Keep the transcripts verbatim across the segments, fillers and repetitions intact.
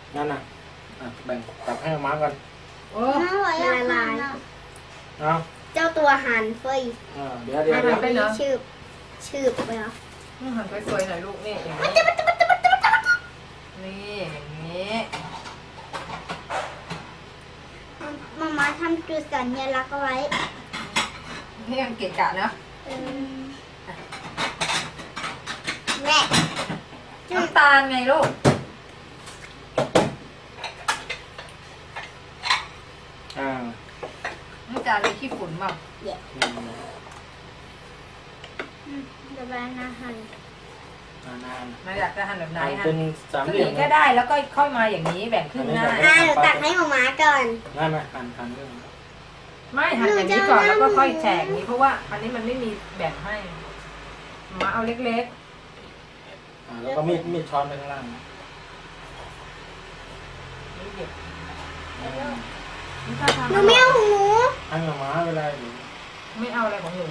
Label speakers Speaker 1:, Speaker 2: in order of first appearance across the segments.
Speaker 1: นั่นน่ะอ่ะแบ่งตักให้ม้ากัน
Speaker 2: โอ้
Speaker 3: น่าอร่อย
Speaker 4: ละลาย
Speaker 1: เอา
Speaker 4: เจ้าตัวหันเฟย
Speaker 1: อ่าเดี๋ยวเดี๋ยว
Speaker 4: อัน
Speaker 1: เดี๋ยว
Speaker 4: นี้ชืบชืบไปเหรอ
Speaker 2: หันไปสวยหน่อยลูกนี่อย่างนี้นี่อย่างนี้
Speaker 3: มาม่าทำจุดสัญลักษณ์เอาไว้
Speaker 2: นี่ยังเกะกะนะ
Speaker 3: แรก
Speaker 2: น้ำตาลไงลูก
Speaker 1: อ่า
Speaker 2: น้ำตาลมีขี้ฝุ่นบ้าง
Speaker 1: อืม
Speaker 3: เดี๋ยวแบนอาหาร
Speaker 1: อ่านาน
Speaker 2: มาอยากจะหั่นแบบไหน
Speaker 1: หั่น
Speaker 2: หั่
Speaker 1: เป็น นสาม
Speaker 2: ครึ่
Speaker 1: เห
Speaker 2: ง
Speaker 1: ลี่ยม
Speaker 2: นี้ก็ได้แล้วก็ค่อยมาอย่างนี้แบ่งครึ่งหน้า
Speaker 4: อ่าหนูตักให้หมาม้าก่อน
Speaker 1: ได้ไหมหั่นหั่นเรื่อง
Speaker 2: ไม่หั่นอย่างนี้ก่อนแล้วก็ค่อยแฉกนี้เพราะว่าอันนี้มันไม่มีแบ่งให้มาเอาเล็ก
Speaker 1: อ่าแล้วก็มีดมีดช้อนไปข้างล่างนะ
Speaker 2: ๆนี่เด็ก
Speaker 1: อืม
Speaker 2: นี่ถ้าทำ
Speaker 4: หนูไม่เอาของหนู
Speaker 1: ให้หมาม้าเวลาอยู่
Speaker 2: ไม่เอาอะไรของหนู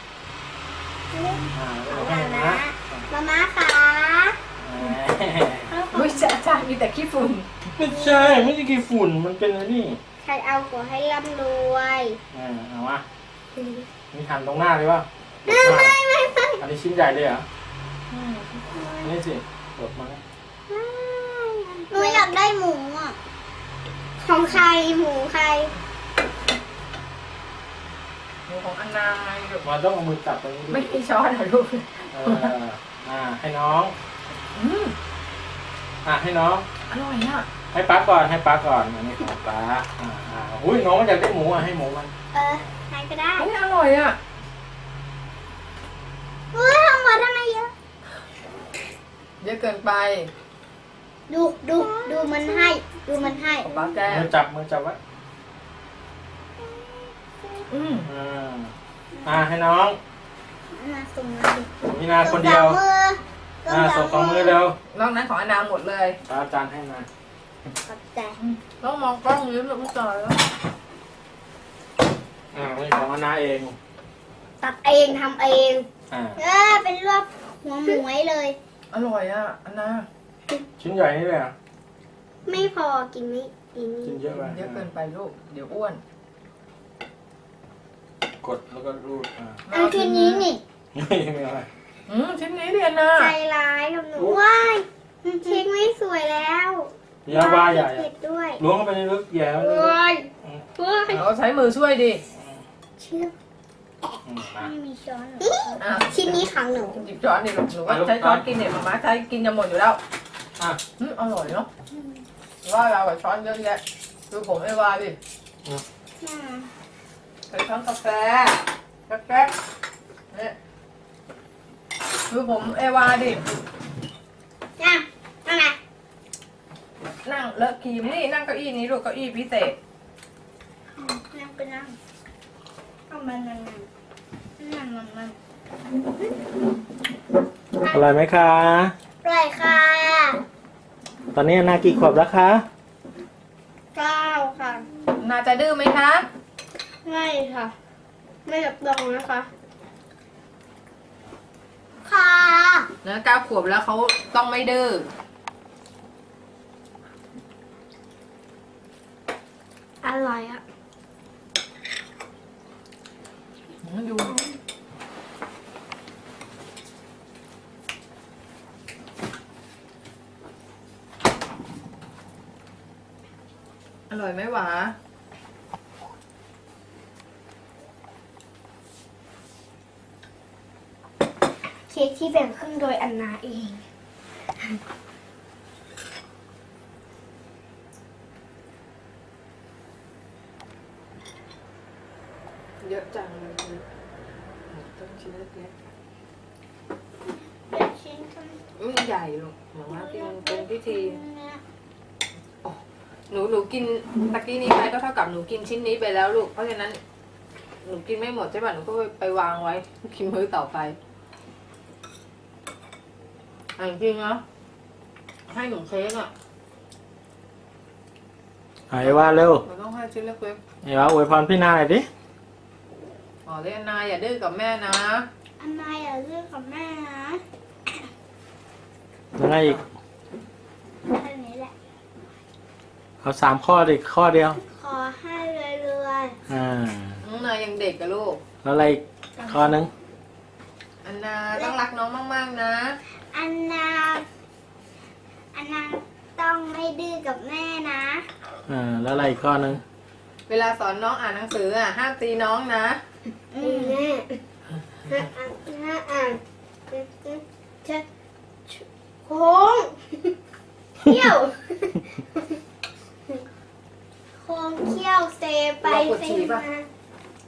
Speaker 1: อ่าแล้วก็ให้หมาม้า
Speaker 4: หมาม้าขา
Speaker 1: อ่า
Speaker 2: อุ้ยจ้าจ้ามีแต่ขี้ฝุ่น
Speaker 1: ไม่ใช่ไม่ใช่กี่ฝุ่นมันเป็นอะไรนี่
Speaker 4: ใครเอาขอให้ร่ำรวย
Speaker 1: อ่าเอามามีหั่นตรงหน้าเลยป่ะ
Speaker 4: ไม่ไม่ไม่ไม่
Speaker 1: อันนี้ชิ้นใหญ่เลยเหรอนี่สิเปิดมา
Speaker 3: หนูอยากได้หมูอ่ะ
Speaker 4: ของใครหมูใคร
Speaker 2: หนูของอันนาไงลูก
Speaker 1: มันต้องเอามือจับตรงนี้
Speaker 2: ไม่
Speaker 1: ด้วย
Speaker 2: มีช้อนเหรอลูก
Speaker 1: เอออ่าให้น้อง
Speaker 2: อืม
Speaker 1: อ่าให้น้อง
Speaker 2: อร่อยอ่ะ
Speaker 1: ให้ป๊าก่อนให้ป๊าก่อนอันนี้ของป๊าอ่าอ่าอุ้ยน้องมันอยากได้หมูอ่ะให้หมูมัน
Speaker 4: เออใครก็ได้
Speaker 2: อันนี้อร่อยอ่ะ
Speaker 3: เฮ้ยทำมาทำไมเยอะ
Speaker 2: เยอะเกินไป
Speaker 3: ดูดูดูมันให้ ดูมันให้
Speaker 2: ของป้าแก้
Speaker 1: มือจับมือจับไว้
Speaker 2: อืม
Speaker 1: อ่าอ่าให้น้อง
Speaker 3: มาส่งมาดิ
Speaker 1: มีนาคนเดียว
Speaker 3: มือ
Speaker 1: อ่าส่งสองมือเร็วน
Speaker 2: อกนั้นของอันนาหมดเลย
Speaker 1: ป๊าจานให้มา
Speaker 4: ขอบใจ
Speaker 2: ต้องมองกล้องยิ้มแบบไม่ต่อยแล้ว
Speaker 1: อ่านี่ของอนาเอง
Speaker 4: ตักเองทำเอง
Speaker 1: อ่า
Speaker 3: เออเป็นรอบหัวหมูไว้เลย
Speaker 2: อร่อยอ่ะอันนา
Speaker 1: ชิ้นใหญ่นี่เลยอ่ะ
Speaker 4: ไม่พอกินไม่กิน
Speaker 1: กินเยอะไป
Speaker 2: เยอะเกินไปลูกเดี๋ยวอ้วน
Speaker 1: กดแล้วก็รูดอ่า
Speaker 3: อันคืนนี้นี่
Speaker 1: ไม่ไม่อะไร
Speaker 2: อืมชิ้นนี้เรียนนะ
Speaker 4: ใจร้ายกับหนูว้ายเค้กไม่สวยแล้ว
Speaker 1: ยาบ้าใหญ่
Speaker 4: เผ็ดด้วย
Speaker 1: ล้วงเข้าไปในลึกแย่มัน
Speaker 4: โอ้ยเฮ้ย
Speaker 2: เราใช้มือช่วยดิ
Speaker 4: เชื่อ
Speaker 1: อืมมา
Speaker 3: ไม่มีช้อนเหรอ
Speaker 2: อ่ะ
Speaker 4: ชิ้นนี้ขังหนู
Speaker 2: หยิบช้อนดิลูกหนูว่าใช้ช้อนกินเนี่ยมาม่าใช้กินจะหมดอยู่แล้ว
Speaker 1: อ่ะ
Speaker 2: อืมอร่อยเนาะว่าเรากับช้อนเยอะแยะดูผมไอ้วาดิ
Speaker 3: อืม
Speaker 2: ใส่ช้อนกาแฟกาแฟเนี่ยดูผมไอ้วาดิ
Speaker 4: น่ะนั่นไง
Speaker 2: นั่งเลอะครีมนี่นั่งเก้าอี้นี้ลูกเก้าอี้พิเศษ
Speaker 3: นั่งไปนั่งเอามันนั่งนั่งนั่งนั่งนั่ง
Speaker 1: อร่อยไหมคะ
Speaker 4: อร่อยค่ะ
Speaker 1: ตอนนี้นากี่ขวบแล้วคะ
Speaker 4: เก้าค่ะ
Speaker 2: นาจะดื้อไหมคะ
Speaker 4: ไม่ค่ะ ไม่รับรองนะคะ
Speaker 3: ค่ะ
Speaker 2: เนื้อเก้าขวบแล้วเขาต้องไม่ดื้อ
Speaker 4: อร่อยอ่ะ
Speaker 2: ดูอร่อยไหมหวา
Speaker 4: เค้กที่แบ่งครึ่งโดยอันนาเอง
Speaker 2: เยอะจังเลยต้องชิ้นเล็ก
Speaker 3: เด็กชิ้นกัน
Speaker 2: ๆอืมใหญ่ลูกหมาม่ากินเป็นพิธี
Speaker 3: เนี่ย
Speaker 2: หนูหนูกินตะกี้นี้ไปก็เท่ากับหนูกินชิ้นนี้ไปแล้วลูก เพราะฉะนั้น หนูกินไม่หมดใช่ป่ะหนูก็ไปวางไว้กินมื้อต่อไปอ่ะจริงๆนะให้หนูเค้กอ่ะ
Speaker 1: ไอ้ว่าเร็ว
Speaker 2: เราต้องให้ชิ้นเล็ก
Speaker 1: ไอ้ว่าอวยพรพี่นาหน่อยดิ
Speaker 2: ๆอ๋อเรียนนายอย่าดื้อกับแม่นะ
Speaker 3: อันนายอย่าเลือกกับแม่นะ
Speaker 1: ยังไงอีก
Speaker 3: แค่นี้แหละ
Speaker 4: แ
Speaker 1: เอาสามข้อดิข้อเดียว
Speaker 3: ขอให้รวย
Speaker 1: อ่า
Speaker 2: น้องนายยังเด็กกับลูก
Speaker 1: แล้วอะไรอีกข้อหนึง
Speaker 2: อันนาต้องรักน้องมากๆนะ
Speaker 3: ๆอันนาอันนาต้องไม่ดื้อกับแม่นะ
Speaker 1: อ่าแล้วอะไรอีกข้อหนึง
Speaker 2: เวลาสอนน้องอ่านหนังสืออ่ะห้ามตีน้องนะ
Speaker 3: อืมแม่ถ้าอ่านจะโค้งเขี้ยวโค้งเขี้ยวเซไปเซมา